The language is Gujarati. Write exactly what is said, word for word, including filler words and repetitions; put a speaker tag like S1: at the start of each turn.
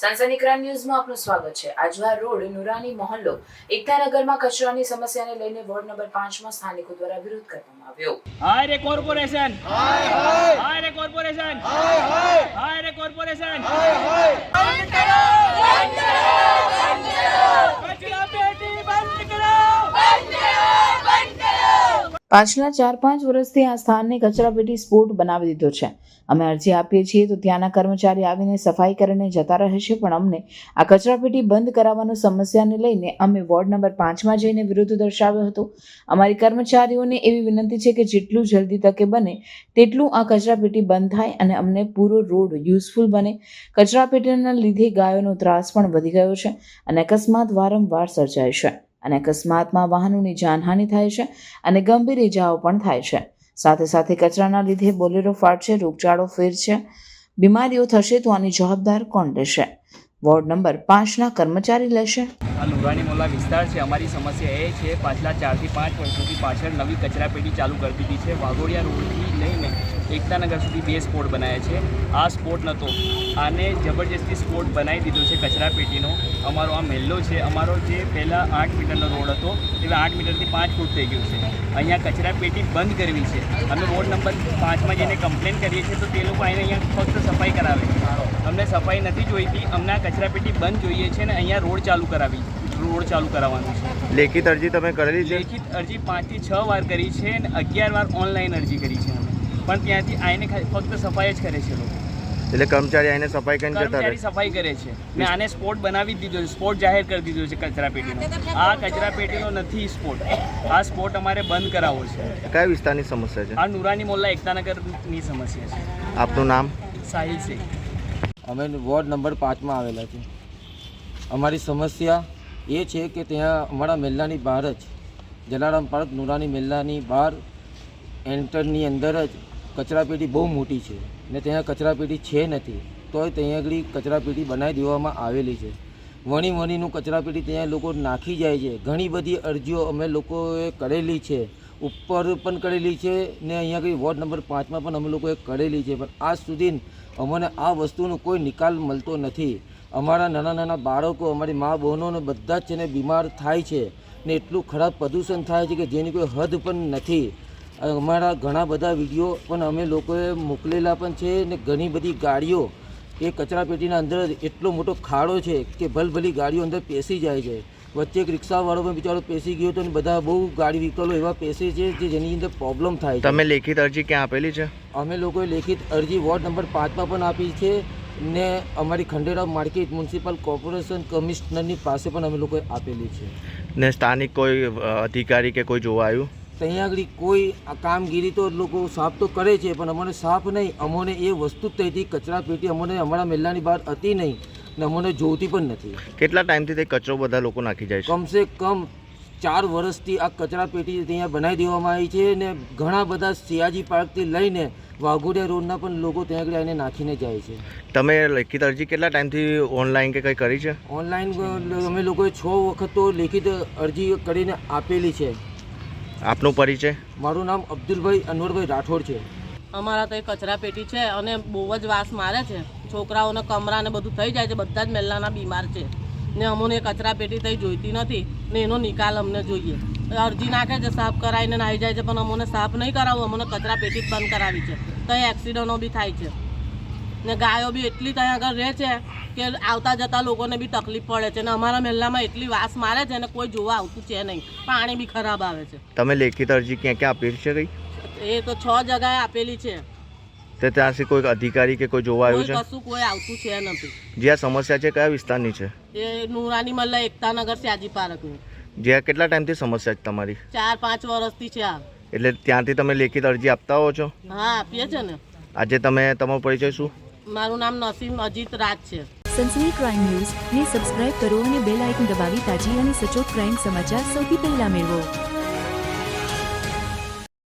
S1: સનસની ક્રાઇમ ન્યૂઝમાં આપનું સ્વાગત છે। આજવા રોડ નુરાની મોહલ્લો એકતાનગરમાં કચરાની સમસ્યાને લઈને વોર્ડ નંબર પાંચમાં સ્થાનિકો દ્વારા વિરોધ કરવામાં આવ્યો।
S2: હાય રે કોર્પોરેશન, હાય હાય હાય રે કોર્પોરેશન, હાય હાય હાય રે કોર્પોરેશન, હાય હાય બંધ કરો, બંધ કરો, બંધ કરો, કચરા પેટી બંધ કરો, બંધ કરો, બંધ કરો।
S1: પાછલા ચાર પાંચ વર્ષથી આ સ્થાનને કચરાપેટી સ્પોટ બનાવી દીધો છે। અમે અરજી આપીએ છીએ તો ત્યાંના કર્મચારી આવીને સફાઈ કરીને જતા રહે છે, પણ અમને આ કચરાપેટી બંધ કરાવવાની સમસ્યાને લઈને અમે વોર્ડ નંબર પાંચમાં જઈને વિરોધ દર્શાવ્યો હતો। અમારી કર્મચારીઓને એવી વિનંતી છે કે જેટલું જલ્દી તકે બને તેટલું આ કચરાપેટી બંધ થાય અને અમને પૂરો રોડ યુઝફુલ બને। કચરાપેટીના લીધે ગાયોનો ત્રાસ પણ વધી ગયો છે અને અકસ્માત વારંવાર સર્જાય છે અને અકસ્માતમાં વાહનોની જાનહાનિ થાય છે અને ગંભીર ઇજાઓ પણ થાય છે। સાથે સાથે કચરાના લીધે બોલેરો ફાટશે, રોગચાળો ફેરશે, બીમારીઓ થશે તો આની જવાબદાર કોણ લેશે? વોર્ડ નંબર પાંચના કર્મચારી લેશે?
S2: આ નુરાની મોહલ્લા વિસ્તાર છે। અમારી સમસ્યા એ છે, પાછલા ચારથી પાંચ વર્ષોથી પાછળ નવી કચરાપેટી ચાલુ કરી દીધી છે। વાઘોડિયા રોડથી લઈને એકતાનગર સુધી બે સ્પોટ બનાવ્યા છે। આ સ્પોટ નહોતો, આને જબરજસ્તી સ્પોટ બનાવી દીધો છે કચરાપેટીનો। અમારો આ મહેલ્લો છે, અમારો જે પહેલાં આઠ મીટરનો રોડ હતો એ આઠ મીટરથી પાંચ ફૂટ થઈ ગયું છે। અહીંયા કચરાપેટી બંધ કરવી છે। અમે વોર્ડ નંબર પાંચમાં જઈને કમ્પ્લેન કરીએ છીએ તો તે લોકો આવીને અહીંયા ફક્ત સફાઈ કરાવે છે। અમને સફાઈ નથી જોઈતી, અમને આ કચરાપેટી બંધ જોઈએ છે ને અહીંયા રોડ ચાલુ કરાવી રોડ ચાલુ કરાવવાનું છે।
S3: લેખિત અરજી તમે કરેલી છે?
S2: લેખિત અરજી પાંચથી છ વાર કરી છે અને અગિયાર વાર ઓનલાઈન અરજી કરી છે અમે, પણ ત્યાંથી આવીને ફક્ત સફાઈ જ કરે છે લોકો।
S3: એટલે કર્મચારી આવીને સફાઈ કરીને જતા રહે?
S2: કર્મચારી સફાઈ કરે છે ને આને સ્પોટ બનાવી જ દીધો છે, સ્પોટ જાહેર કરી દીધો છે કચરાપેટીનો। આ કચરાપેટીનો નથી સ્પોટ, આ સ્પોટ અમારે બંધ કરાવવો છે।
S3: કયા વિસ્તારની સમસ્યા છે?
S2: આ નુરાની મોહલ્લા એકતાનગરની સમસ્યા છે।
S3: આપનું નામ?
S2: સાહિલ શેખ।
S4: અમે વોર્ડ નંબર પાંચમાં આવેલા છે। અમારી સમસ્યા એ છે કે ત્યાં અમારા મહેલ્લાની બહાર જ જલારામ પાર્ક નુરાની મહેલ્લાની બહાર એન્ટરની અંદર જ કચરાપેટી બહુ મોટી છે ને ત્યાં કચરાપેટી છે નથી, તોય ત્યાં આગળ કચરાપેટી બનાવી દેવામાં આવેલી છે। વણી વણીનું કચરાપેટી ત્યાં લોકો નાખી જાય છે। ઘણી બધી અરજીઓ અમે લોકોએ કરેલી છે, ઉપર પણ કરેલી છે ને અહીંયા આગળ વોર્ડ નંબર પાંચમાં પણ અમે લોકોએ કરેલી છે, પણ આજ સુધી અમને આ વસ્તુનો કોઈ નિકાલ મળતો નથી। અમારા નાના નાના બાળકો, અમારી મા બહેનોને બધા જ છે ને બીમાર થાય છે ને એટલું ખરાબ પ્રદૂષણ થાય છે કે જેની કોઈ હદ પણ નથી। અમારા ઘણા બધા વિડીયો પણ અમે લોકોએ મોકલેલા પણ છે ને ઘણી બધી ગાડીઓ એ કચરાપેટીના અંદર એટલો મોટો ખાડો છે કે ભલભલી ગાડીઓ અંદર પેસી જાય છે। વચ્ચે એક રિક્ષાવાળો પણ બિચારો પેસી ગયો હતો ને બધા બહુ ગાડી વ્હીકલો એવા પેસે છે જે જેની અંદર પ્રોબ્લેમ થાય છે।
S3: તમે લેખિત અરજી ક્યાં આપેલી છે?
S4: અમે લોકોએ લેખિત અરજી વોર્ડ નંબર પાંચમાં પણ આપી છે ને અમારી ખંડેરાવ માર્કેટ મ્યુનિસિપલ કોર્પોરેશન કમિશનરની પાસે પણ અમે લોકોએ આપેલી છે।
S3: ને સ્થાનિક કોઈ અધિકારી કે કોઈ જોવા આવ્યું?
S4: ત્યાં આગળ કોઈ આ કામગીરી તો લોકો સાફ તો કરે છે, પણ અમને સાફ નહીં, અમને એ વસ્તુ જ થઈ હતી કચરાપેટી અમને અમારા મહેલ્લાની બહાર હતી નહીં ને અમને જોતી પણ નથી।
S3: કેટલા ટાઈમથી તે કચરો બધા લોકો નાખી જાય છે?
S4: કમસે કમ ચાર વર્ષથી આ કચરાપેટી ત્યાં બનાવી દેવામાં આવી છે ને ઘણા બધા સિયાજી પાર્કથી લઈને વાઘોડિયા રોડના પણ લોકો ત્યાં આગળ આવીને નાખીને જાય છે।
S3: તમે લેખિત અરજી કેટલા ટાઈમથી ઓનલાઈન કે કંઈ કરી છે?
S4: ઓનલાઈન અમે લોકોએ છ વખત તો લેખિત અરજી કરીને આપેલી છે।
S3: આપનો પરિચય?
S4: મારું નામ અબ્દુલભાઈ અનવરભાઈ રાઠોડ છે।
S5: અમારા તો કચરાપેટી છે અને બહુ જ વાસ મારે છે। છોકરાઓને કમરા ને બધું થઈ જાય છે, બધા જ મહેલાના બીમાર છે ને અમને કચરાપેટી થઈ જોઈતી નથી ને એનો નિકાલ અમને જોઈએ। અરજી નાખે છે, સાફ કરાવીને આવી જાય છે, પણ અમને સાફ નહીં કરાવવું, અમને કચરાપેટી જ બંધ કરાવી છે। ત્યાં એક્સિડન્ટો બી થાય છે ને ગાયો બી એટલી ત્યાં આગળ રહે છે કે આવતા જતા લોકોને બી તકલીફ પડે છે ને અમારા મહેલામાં એટલી વાસ મારે છે ને કોઈ જોવા આવતું છે નહીં, પાણી બી ખરાબ આવે છે।
S3: તમે લેખિત અરજી ક્યાં ક્યાં આપેલી છે? કઈ
S5: એ તો છ જગાએ આપેલી છે,
S3: તે ત્યાંથી કોઈ અધિકારી કે કોઈ જોવા આવ્યું છે?
S5: કશું કોઈ આવતું છે નથી।
S3: જે આ સમસ્યા છે કયા વિસ્તારની છે?
S5: એ નુરાની મલ્લા એકતાનગર સ્યાજી પાર્કની।
S3: જ્યાં કેટલા ટાઈમથી સમસ્યા છે તમારી?
S5: ચાર પાંચ વર્ષથી છે આ।
S3: એટલે ત્યાંથી તમે લેખિત અરજી આપતા હો છો?
S5: હા, આપીએ છે ને।
S3: આજે તમે તમારો પરિચય શું?
S5: મારું નામ નસીમ અજીત રાજ છે।
S6: સનસની ક્રાઇમ ન્યૂઝ ને સબસ્ક્રાઇબ કરો અને બેલ આઇકન દબાવી તાજી અને સચોટ ક્રાઇમ સમાચાર સૌથી પહેલા મેળવો।